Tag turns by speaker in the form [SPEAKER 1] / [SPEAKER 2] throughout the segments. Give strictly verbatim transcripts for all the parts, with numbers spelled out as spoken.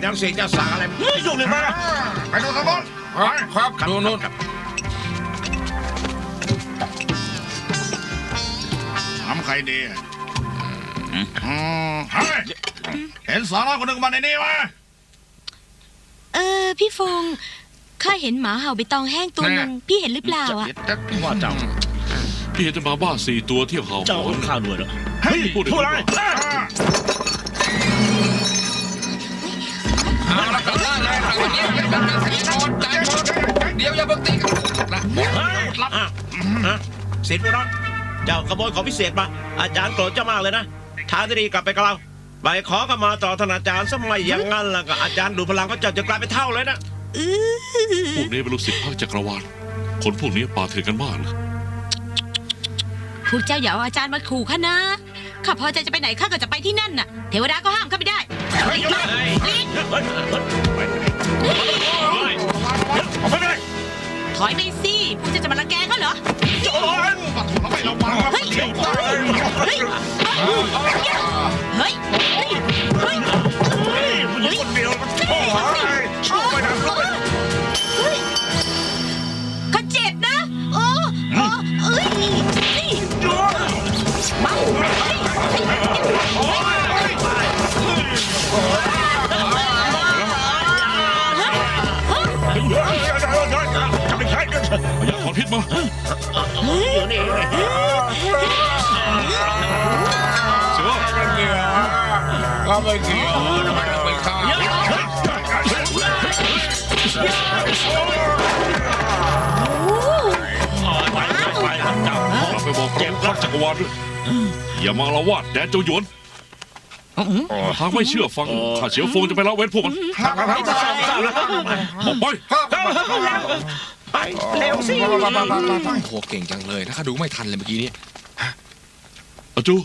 [SPEAKER 1] ยังเสกจะสั่งอะไร
[SPEAKER 2] เฮ้ยยุ่งเลยมาไปดูสมบูรณ์ครับดูนู่นทำใครดีอืมเฮ้ยเห็นสาวน้อยคนหนึ่งมาในนี้ไหม
[SPEAKER 3] เออพี่ฟงข้าเห็นหมาเห่าใบตองแห้งตัวหนึ่งพี่เห็นหรือเปล่าอ่ะ
[SPEAKER 2] ว่าเจ้า
[SPEAKER 4] พี่เห็นจะมาบ้าสี่ตัวเที่ยวเห่า
[SPEAKER 2] เจ้าข้าวด้วยเหรอเฮ้ยพูดอะไร
[SPEAKER 1] เอาละครับเลยครับวันนี้เป็นการตีโอนใจโอนเดี๋ยวอย่าเพิ่งตีกันนะรับสิทธิ์พวกนั้นเจ้าขโมยของพิเศษมาอาจารย์โกรธเจ้ามากเลยนะทางที่ดีกลับไปกับเราไปขอขมาต่อท่านอาจารย์สมัยอย่างนั้นล่ะก็อาจารย์ดูพลังก็จะจะกลายเป็นเท่าเลยนะ
[SPEAKER 4] พวกนี้เป็นลูกศิษย์ภาคจักรวาลคนพวกนี้ป่าเถื่อนกันมากเลย
[SPEAKER 3] พวกเจ้าอย่าเอาอาจารย์มาขู่ข้านะข้าพอใจจะไปไหนข้าก็จะไปที่นั่นน่ะเทวดาก็ห้ามข้าไม่ได้ถอยไปสิพวกเจ้าจะมารังแกเขาเหรอเฮ้ยเฮ้ยเฮ้ยเฮ้ยเฮ้ยคนเดียวโอ้ยช่วยนะข้าเจ็บนะโอ้โอ้เอ้ยมา
[SPEAKER 4] อย่าถอนพิษมาเสือ
[SPEAKER 2] ก็ไม่เกี่ยวทำไมต้องไปฆ่า
[SPEAKER 4] เราไปบอกพระภาคจักรวาลด้วยอย่ามาละวาดแดนเจ้าหยวนหากไม่เชื่อฟังข้าเฉียวฟงจะไปละเว้นพวกมันออกไป
[SPEAKER 1] ไปเร็วสิ
[SPEAKER 5] โหเก่งจังเลยนะข้าดูไม่ทันเลยเมื่อกี้นี้
[SPEAKER 4] อาจู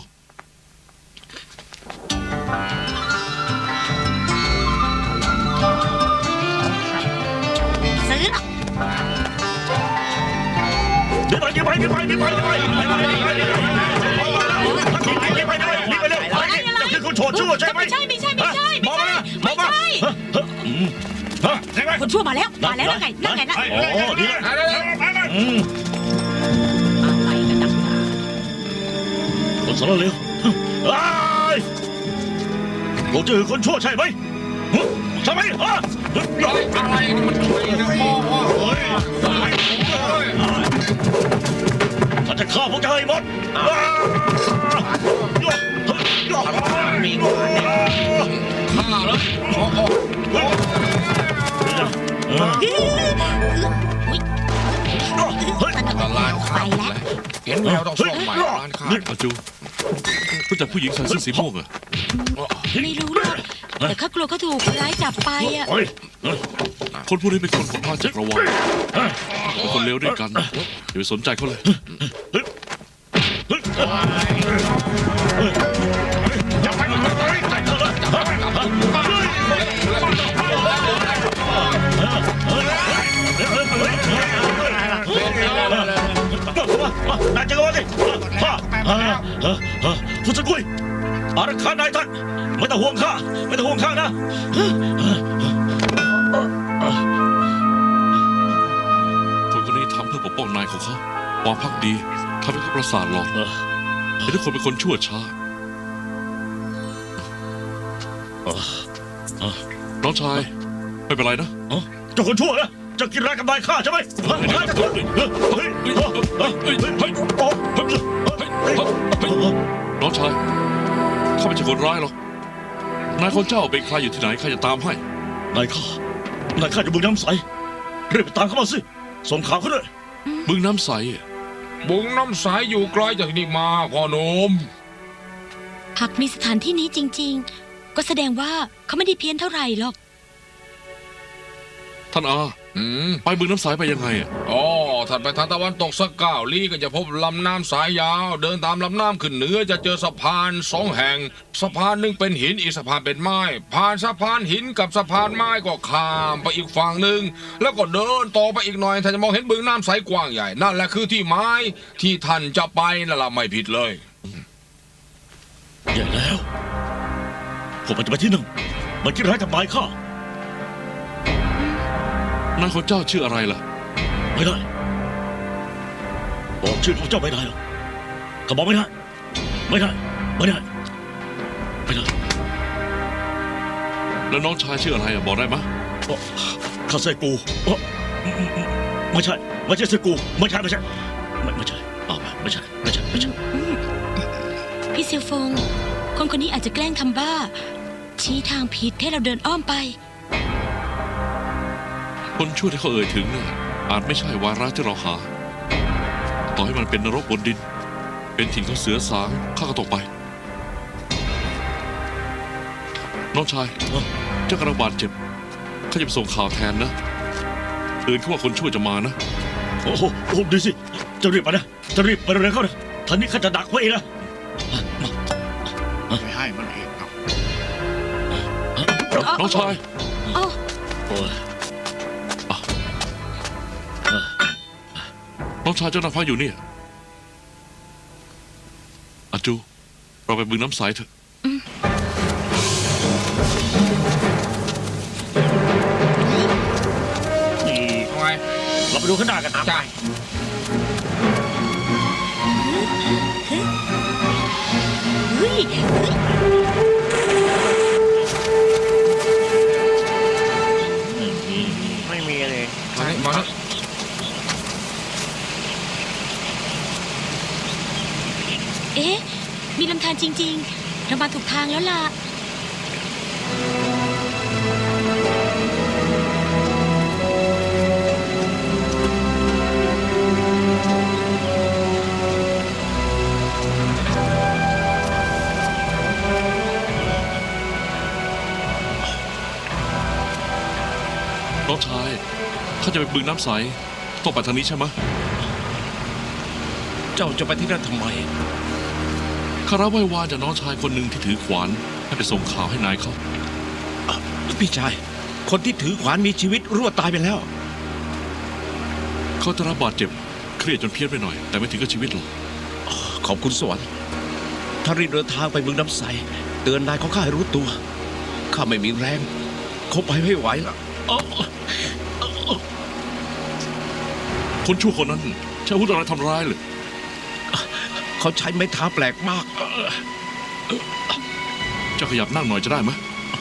[SPEAKER 3] ซื้อหรอ
[SPEAKER 2] เดี๋ยวไปเดี๋ยวไปเดี๋ยวไปเดี๋ยวไปเดี๋ยวไปเดี๋ยวไปเดี๋ยวไปเดี๋ยวไปเดี๋ยวไปเดี๋ยวไปเดี๋ยวไปเดี๋ยวไปคือคุณโฉดชั่วใช่ไหม
[SPEAKER 3] ไม่ใช่ไม่ใช่ไม่ใช่
[SPEAKER 2] มองมา
[SPEAKER 3] ไม่ใช่
[SPEAKER 2] ใช่ไหม
[SPEAKER 3] คนชั่วมาแล้วมาแล้วนั่นไงนั่นไงนั่น
[SPEAKER 2] โอ้ดีแล้วอืม
[SPEAKER 3] อะไรกันดัง
[SPEAKER 2] คนสารเลวไอ้เราเจอคนชั่วใช่ไหมใช่ไหมฮะ
[SPEAKER 1] อะไรมันช่วยนะพ่อว่าเฮ้ย
[SPEAKER 2] ฉันจะฆ่าพวกเธอให้หมดมีกว่าเนี่ย
[SPEAKER 1] ฆ่าแล้วโอ้โห
[SPEAKER 5] ตลาดข้าวแล้วเห็นแววต้องซ่อมใหม่ร้านข้าว
[SPEAKER 4] อาจูรู้จักผู้หญิงใส่เสื้อสีม่วงเหรอ
[SPEAKER 3] ไม่รู้หรอกแต่ข้ากลัวเขาถูกคนร้ายจับไปอ่ะ
[SPEAKER 4] คนพวกนี้เป็นคนของภาคจักรวาลเป็นคนเลวด้วยกันอย่าไปสนใจเขาเลย
[SPEAKER 2] อย่าไปเลยใจเธอนายจะว่าสิฮ่าคุณสกุลอารักขานายท่านไม่ต้องห่วงข้าไม่ต้องห่วงข้านะ
[SPEAKER 4] คนคนนี้ทำเพื่อปกป้องนายของเขาความพักดีทำให้เขาประสาทหลอกแต่ทุกคนเป็นคนชั่วช้าน้องชายไม่เป็นไรนะ
[SPEAKER 2] เจ้าคนชั่วนะจะกินร้ายกับนายข้าใช่ไหมข้าจะถูกเฮ้ยเฮ้ยเฮ้ยเฮ้ยเฮ้ยเฮ้ย
[SPEAKER 4] น้องชายข้าไม่ใช่คนร้ายหรอกนายคนเจ้าเป็นใครอยู่ที่ไหนข้าจะตามให้
[SPEAKER 2] นายข้านายข้าอยู่บึงน้ำใสรีบไปตามเขามาสิส่งข่าวเขาด้วย
[SPEAKER 4] บึงน้ำใส
[SPEAKER 5] บุงน้ำสายอยู่ไกลจากนี่มาพ่อหนุ่ม
[SPEAKER 3] หากมีสถานที่นี้จริงๆก็แสดงว่าเขาไม่ได้เพี้ยนเท่าไหร่หรอก
[SPEAKER 4] ท่านอา
[SPEAKER 5] อืม
[SPEAKER 4] ไปบึงน้ำใสไปยังไงอ่ะ
[SPEAKER 5] อ๋อถัดไปทางตะวันตกสักเก้าลี้ก็จะพบลำน้ำสายยาว เดินตามลำน้ำขึ้นเหนือจะเจอสะพานสองแห่งสะพานหนึ่งเป็นหินอีกสะพานเป็นไม้ผ่านสะพานหินกับสะพานไม้ก็ข้ามไปอีกฝั่งหนึ่งแล้วก็เดินต่อไปอีกหน่อยท่านจะมองเห็นบึงน้ำใสกว้างใหญ่นั่นแหละคือที่ไม้ที่ท่านจะไปนั่นแหละไม่ผิดเลย
[SPEAKER 2] แย่แล้วผมมันจะไปที่นั่นมันคิดร้ายกับนายข้า
[SPEAKER 4] นายของเจ้าชื่ออะไรล่ะ
[SPEAKER 2] ไม่ได้บอกชื่อของเจ้าไม่ได้หรอกก็บอกไม่ได้ไม่ได้ไม่ได้ไม่ได้
[SPEAKER 4] แล้วน้องชายชื่ออะไรอะบอกได้ไหม
[SPEAKER 2] เอ่อข้าใส่กูเอ่อไม่ใช่ไม่ใช่ใส่กูไม่ใช่ไม่ใช่ไม่ไม่ใช่อ้าวไม่ใช่ไม่ใช่ไม่ใช่
[SPEAKER 3] พี่เซียวฟง คนคนนี้อาจจะแกล้งทำบ้า ชี้ทางผิดให้เราเดินอ้อมไป
[SPEAKER 4] คนชั่วที่เขาเอ่ยถึงน่ะอาจไม่ใช่วาระที่เราหา ต่อให้มันเป็นนรกบนดิน เป็นถิ่นของเสือสางข้าก็ต้องไป น้องชาย
[SPEAKER 2] เอ้า
[SPEAKER 4] เจ้ากระบาดเจ็บข้าจะไปส่งข่าวแทนนะเตือนเขาว่าคนชั่วจะมานะ
[SPEAKER 2] โอ้โหโอ้โหดูสิจะรีบไปนะจะรีบไปเร็วๆเข้านะท่านนี้ข้าจะดักไว้เองนะมา
[SPEAKER 6] ไม่ให้มันเองครับ
[SPEAKER 4] น้องชาย
[SPEAKER 3] โอ้
[SPEAKER 2] โอ้ย
[SPEAKER 4] น้องชายเจ้านายพักอยู่เนี่ยอาจู เราไปบึงน้ำใสเถอะ
[SPEAKER 2] นี่
[SPEAKER 5] เอาไง
[SPEAKER 2] เราไปดูข้างหน้ากันนะ
[SPEAKER 5] จ้า
[SPEAKER 3] เฮ้ยเฮ้ย
[SPEAKER 6] ไม่มีเลย
[SPEAKER 5] มานี่มานี่
[SPEAKER 3] เอ๊ะ มีลำธารจริง ๆ เรามาถูกทางแล้วล่ะ
[SPEAKER 4] น้องชายข้าจะไปบึงน้ำใสต้องไปทางนี้ใช่ไหม
[SPEAKER 1] เจ้าจะไปที่นั่นทำไม
[SPEAKER 4] ข้ารับไหว้วานจากน้องชายคนหนึ่งที่ถือขวานให้ไปส่งข่าวให้นายเขา
[SPEAKER 1] พี่ชาย คนที่ถือขวานมีชีวิตรวดตายไปแล้ว
[SPEAKER 4] เขาจะรับบาดเจ็บเครียดจนเพี้ยนไปหน่อย แต่ไม่ถึงกับชีวิตหรอก
[SPEAKER 1] ขอบคุณสวรรค์ถ้ารีบเดินทางไปเมืองน้ำใส เตือนนายของข้าให้รู้ตัว ข้าไม่มีแรงเขาไปไม่ไหวแล้ว
[SPEAKER 4] คนชั่วคนนั้นใช้อาวุธอะไรทำร้ายเลย
[SPEAKER 1] เขาใช้ไม้เท้าแปลกมาก
[SPEAKER 4] เจ้าขยับนั่งหน่อยจะได้ไหม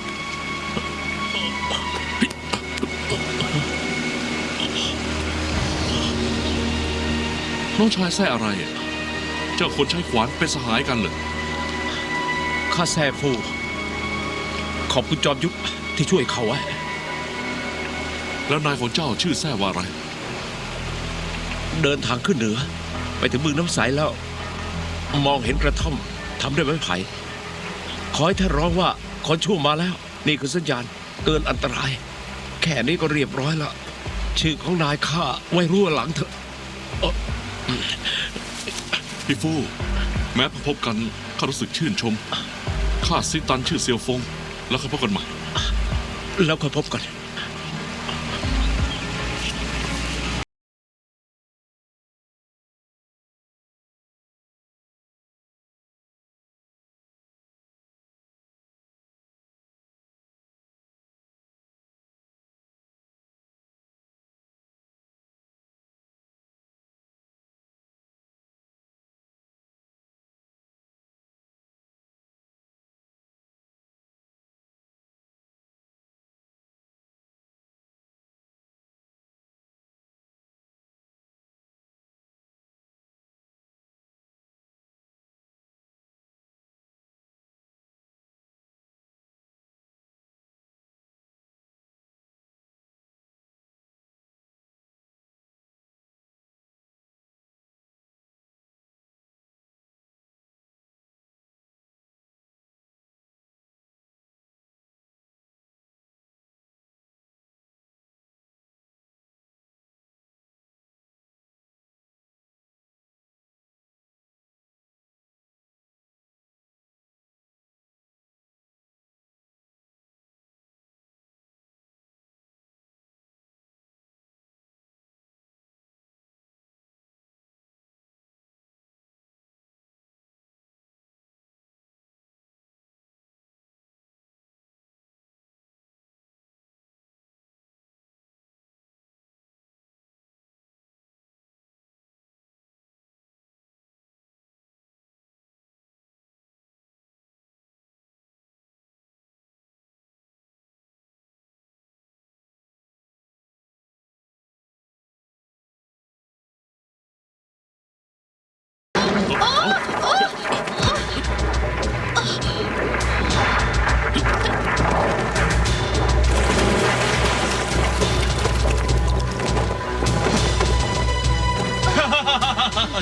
[SPEAKER 4] น้องชายแซ่อะไรอะเจ้าคนใช้ขวานเป็นสหายกันเหรอ
[SPEAKER 1] ข้าแซ่ฟู ขอบคุณจอมยุทธที่ช่วยเขาไว้
[SPEAKER 4] แล้วนายของเจ้าชื่อแซ่ว่าอะไร
[SPEAKER 1] เดินทางขึ้นเหนือ ไปถึงเมืองน้ำใสแล้ว มองเห็นกระท่อมทำด้วยไม้ไผ่ขอให้ท่านร้องว่าคนชั่วมาแล้ว นี่คือสัญญาณเตือนอันตราย แค่นี้ก็เรียบร้อยแล้ว ชื่อของนายข้าไว้รั่วหลังเถอะ
[SPEAKER 4] พี่ฟู่แม้พบกันข้ารู้สึกชื่นชมข้าซิตันชื่อเซียวฟง แล้วค่อยพบกันใหม่
[SPEAKER 1] แล้วค่อยพบกัน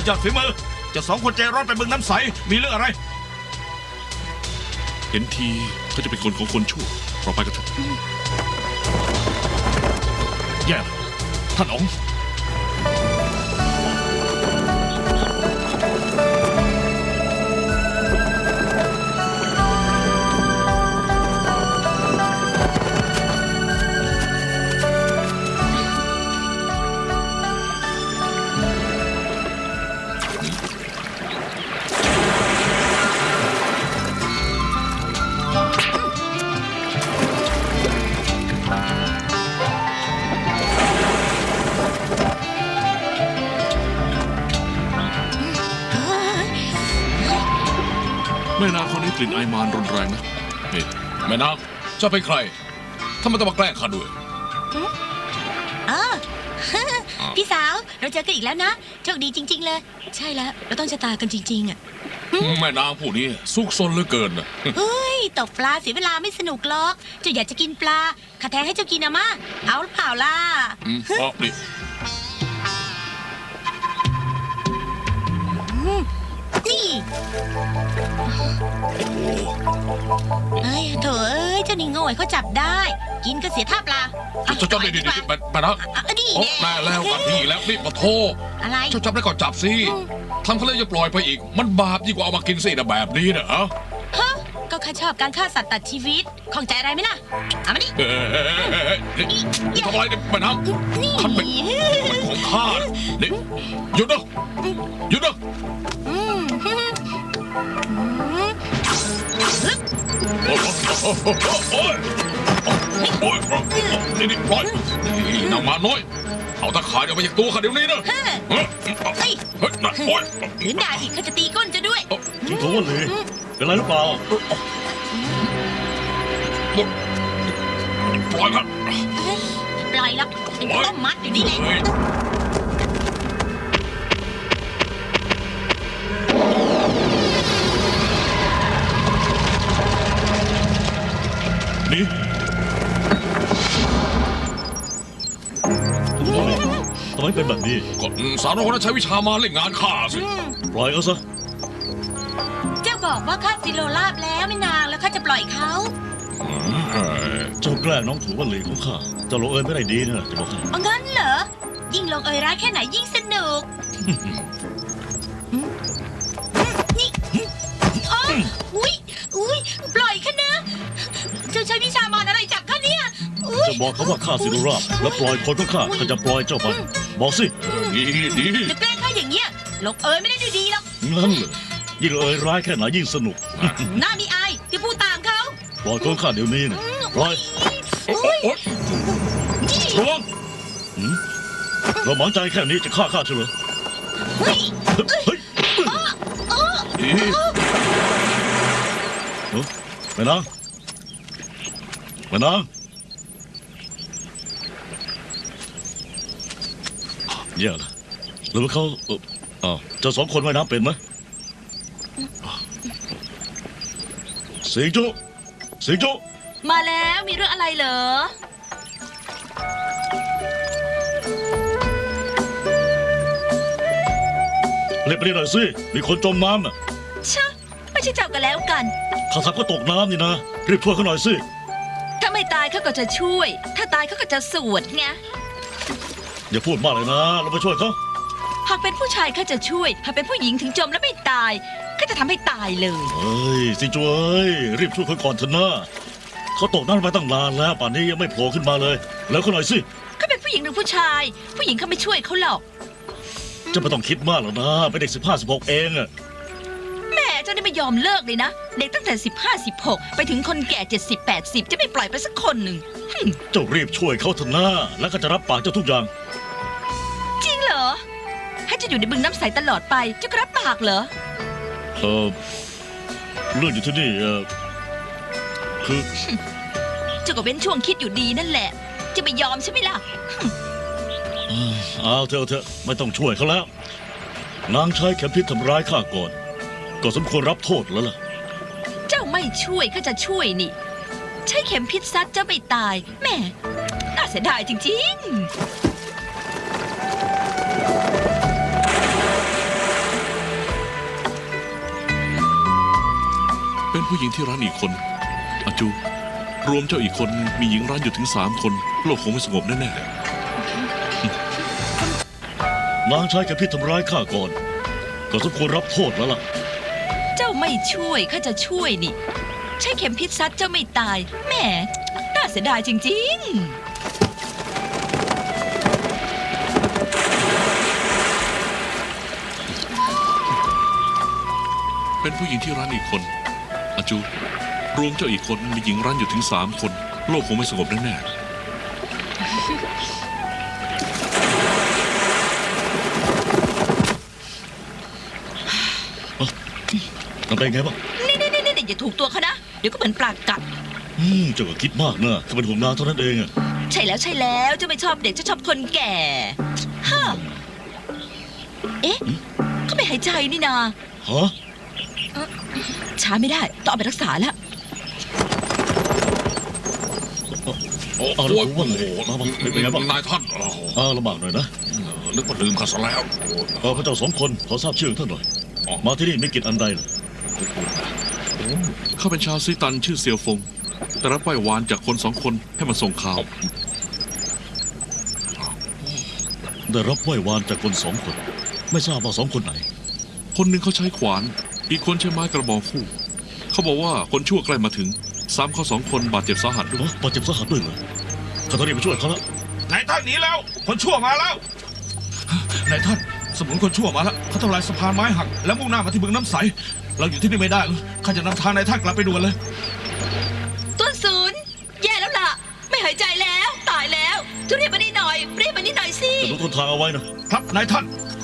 [SPEAKER 2] ยอดฝีมือเจะสองคนใจร้อนไปบึงน้ำใสมีเรื่องอะไร
[SPEAKER 4] เห็นทีเขาจะเป็นคนของคนชั่วเราไปกันเถอะ
[SPEAKER 2] แย่ท่านอ๋อง
[SPEAKER 4] แม่นางคนนี้กลิ่นไอมานรุนแรงนะนี่
[SPEAKER 5] แม่นางเจะเป็นใครทำไมต้องมาแกล้งข้าด้วย
[SPEAKER 3] อ๋อ พี่สาว เราเจอกันอีกแล้วนะ โชคดีจริง ๆ เลย ใช่แล้ว เราต้องชะตากันจริง ๆ อ่ะ
[SPEAKER 5] แม่นางผู้นี้ซุกซนเหลือเกินนะ
[SPEAKER 3] เฮ้ย ตกปลาเสียเวลาไม่สนุกหรอก เจ้าอยากจะกินปลาข้าแทงให้เจ้ากินนะมาเอาหรือเปล่าล่ะ
[SPEAKER 5] อืมอ๋อนี่
[SPEAKER 3] นี่เอ้ยโถเอ้ย เจ้านี่โง่เขาจับได้ กินก็เสียท่าปลา
[SPEAKER 5] เจ้าเจ้านี่นี่นี่แม่แม่นาง
[SPEAKER 3] อ่ะนี่
[SPEAKER 5] โอ้
[SPEAKER 3] แน่
[SPEAKER 5] แม่แล้วกันพี่แล้วนี่ปะโท
[SPEAKER 3] อะไร
[SPEAKER 5] เจ้าจับได้ก็จับสิทำเขาเลยจะปล่อยไปอีก มันบาปยิ่งกว่าเอามากินสินะแบบนี้นะฮะ
[SPEAKER 3] ฮะ ก็ข้าชอบการฆ่าสัตว์ตัดชีวิตของใจอะไรไหมล่ะ เอามานี่
[SPEAKER 5] เฮ้ยนี่นี่ทำอะไรเนี่ยแม่นาง
[SPEAKER 3] นี่
[SPEAKER 5] ท่านเป็นมันของข้านี่หยุดนะหยุดนะ
[SPEAKER 3] อืม
[SPEAKER 5] โอ้ยโอ้ยโอ้ยนี่นี่ปล่อยนี่นางมาน้อย เอาตะข่ายออกไปจากตัวข้าเดี๋ยวนี้นะ
[SPEAKER 3] เฮ้ย
[SPEAKER 5] เฮ้ยเฮ้ยนะโอ้ย
[SPEAKER 3] หรือด่าอีกเขาจะตีก้นจะด้วย
[SPEAKER 2] จิงโถวันเลยเป็นไรหรือเปล่า
[SPEAKER 5] ปล่อยครับ
[SPEAKER 3] ปล่อยแล้วเป็นต้มมัดอยู่นี่แหละ
[SPEAKER 5] เฮ้ย
[SPEAKER 2] นี่ทำไมเป็นแบบนี้
[SPEAKER 5] ก็สาวน้อยคนนั้นใช้วิชามาเล่นงานข้าสิ
[SPEAKER 2] ปล่อยเขาซะ
[SPEAKER 3] เจ้าบอกว่าข้าซิโลลาบแล้วไม่นานแล้วข้าจะปล่อยเขา
[SPEAKER 2] เจ้าแกล้งน้องถูวันเลยของข้าเจ้าลงเอยไม่ได้ดีนะจะบอกให้
[SPEAKER 3] เอางั้นเหรอ ยิ่งลงเอยร้ายแค่ไหนยิ่งสนุกนี่อ๋ออุ้ยอุ้ยปล่อยข้านะ เจ้าใช้วิชามารอะไรจับข้าเนี่ยอุ้ย
[SPEAKER 2] จะบอกเขาว่าข้าสิรุราบแล้วปล่อยคนของข้าข้าจะปล่อยเจ้าไปบอกสิ
[SPEAKER 5] ดีดี
[SPEAKER 3] จะแกล้งข้าอย่างเงี้ยลงเอยไม่ได้ดูดีหรอก
[SPEAKER 2] งั้นเลยยิ่งเอยร้ายแค่ไหนยิ่งสนุก
[SPEAKER 3] หน้ามีอายที่พูดตามเขา
[SPEAKER 2] ปล่อยคนข้าเดี๋ยวนี้นะปล่อย
[SPEAKER 5] โอ้ยโอ้ยระวัง
[SPEAKER 2] เราหวังใจแค่นี้จะฆ่าข้าเฉลย
[SPEAKER 3] เฮ้ย
[SPEAKER 2] เฮ้ย
[SPEAKER 5] ดี
[SPEAKER 2] เอ้าแม่นางแม่นางแย่ละหรือว่าเขาเอ่ออ้าวเจ้าสองคนว่ายน้ำเป็นไหมสิงโจ้สิงโจ้
[SPEAKER 3] มาแล้วมีเรื่องอะไรเหรอ
[SPEAKER 2] เรียกไปนี่หน่อยสิมีคนจมน้ำน่ะ
[SPEAKER 3] ชะไม่ใช่จับกันแล้วกัน
[SPEAKER 2] ข้าทับก็ตกน้ำนี่นะรีบช่วยเขาหน่อยสิ
[SPEAKER 7] ถ้าไม่ตายเขาก็จะช่วย ถ้าตายเขาก็จะสวดไง
[SPEAKER 2] อย่าพูดมากเลยนะเราไปช่วยเขา
[SPEAKER 7] หากเป็นผู้ชายเขาจะช่วย หากเป็นผู้หญิงถึงจมแล้วไม่ตายก็จะทำให้ตายเลย
[SPEAKER 2] เฮ้ยสิงโจ้เอ้ยรีบช่วยเขาก่อนเถอะนะเขาตกน้ำไปตั้งนานแล้วป่านนี้ยังไม่โผล่ขึ้นมาเลย แล้วเขาหน่อยสิ
[SPEAKER 7] เขาเป็นผู้หญิงหรือผู้ชาย ผู้หญิงเขาไม่ช่วยเขาหรอก
[SPEAKER 2] จะไม่ต้องคิดมากหรอกนะเป็นเด็กสิบห้าสิบหกเองอะ
[SPEAKER 7] แม่เจ้านี่ไม่ยอมเลิกเลยนะ เด็กตั้งแต่สิบห้าสิบหกไปถึงคนแก่เจ็ดสิบแปดสิบจะไม่ปล่อยไปสักคนหนึ่ง
[SPEAKER 2] เจ้ารีบช่วยเขาเถอะนะแล้วก็จะรับปากเจ้าทุกอย่าง
[SPEAKER 7] จริงเหรอ ให้เจะอยู่ในบึงน้ำใสตลอดไปเจ้าก็รับปากเหรอ
[SPEAKER 2] เออเรื่องอยู่ที่นี่เออคือ
[SPEAKER 7] เจ้าก็เว้นช่วงคิดอยู่ดีนั่นแหละ จะไม่ยอมใช่ไหมล่ะ
[SPEAKER 2] เอาเถอะเอาเถอะไม่ต้องช่วยเขาแล้ว นางใช้เข็มพิษทำร้ายข้าก่อน ก็สมควรรับโทษแล้วล่ะ
[SPEAKER 7] เจ้าไม่ช่วยก็จะช่วยนี่ ใช้เข็มพิษซัดเจ้าไม่ตายแหม่น่าเสียดายจริงๆ
[SPEAKER 4] เป็นผู้หญิงที่ร้านอีกคนอาจู รวมเจ้าอีกคนมีหญิงร้านอยู่ถึงสามคน โลกคงไม่สงบแน่
[SPEAKER 2] นางใช้แค่พิษทำร้ายข้าก่อน ก็สมควรรับโทษแล้วล่ะ
[SPEAKER 7] เจ้าไม่ช่วยข้าจะช่วยนี่ ใช่เข็มพิษซัดเจ้าไม่ตายแหมน่าเสียดายจริง
[SPEAKER 4] ๆ เป็นผู้หญิงที่ร้านอีกคนอาจู รวมเจ้าอีกคนมีหญิงร้านอยู่ถึงสามคน โลกคงไม่สงบแน่ๆ
[SPEAKER 2] ทำได้ไงบ้าง
[SPEAKER 7] ๆ นี่นี่นี่นี่อย่าถูกตัวเขานะ เดี๋ยวก็เหมือนปลากัด
[SPEAKER 2] อืมเจ้าก็คิดมากนะแค่เป็นห่วงนางเท่านั้นเองอะ
[SPEAKER 7] ใช่แล้วใช่แล้วเจ้าไม่ชอบเด็กเจ้าชอบคนแก่ฮะเอ๊ะเขาไม่หายใจนี่นา
[SPEAKER 2] ฮะ
[SPEAKER 7] ช้าไม่ได้ ต้องเอาไปรักษาแล้ว
[SPEAKER 2] เอาแล้วผมว่าไงมาบ้างเป็นไงบ้าง
[SPEAKER 5] นายท่านโอ้โห
[SPEAKER 2] อ่าลำบากหน่อยนะ
[SPEAKER 5] นึกว่าลืมข้าซะแล้ว
[SPEAKER 2] เออพระเจ้าสองคนขอทราบชื่อของท่านหน่อย มาที่นี่ไม่กินอันใดเลย
[SPEAKER 4] ข้าเป็นชาวซีตันชื่อเซียวฟง แต่รับไหว้วานจากคนสองคนให้มาส่งข่าว
[SPEAKER 2] ได้รับไหว้วานจากคนสองคน ไม่ทราบว่าสองคนไหน
[SPEAKER 4] คนหนึ่งเขาใช้ขวาน อีกคนใช้ไม้กระบองคู่ เขาบอกว่าคนชั่วใกล้มาถึงซ้ำเขาสองคนบาดเจ็บสาหัสด้วย
[SPEAKER 2] ฮะบาดเจ็บสาหัสด้วยเหรอข้าต้องรีบไปช่วยเขาแล้ว
[SPEAKER 6] นายท่านหนีแล้ว คนชั่วมาแล้ว นายท่าน สมุนคนชั่วมาแล้วเขาทำลายสะพานไม้หัก แล้วมุ่งหน้ามาที่เมืองน้ำใส เราอยู่ที่นี่ไม่ได้แล้วข้าจะนำทางนายท่านกลับไปด่วนเลย
[SPEAKER 7] ต้นศูนย์แย่แล้วล่ะ ไม่หายใจแล้ว ตายแล้วจะเรียกมานี่หน่อย เรียกมานี่หน่อยสิ
[SPEAKER 2] จะรู้ต้นทางเอาไว้นะ
[SPEAKER 6] ครับนายท่าน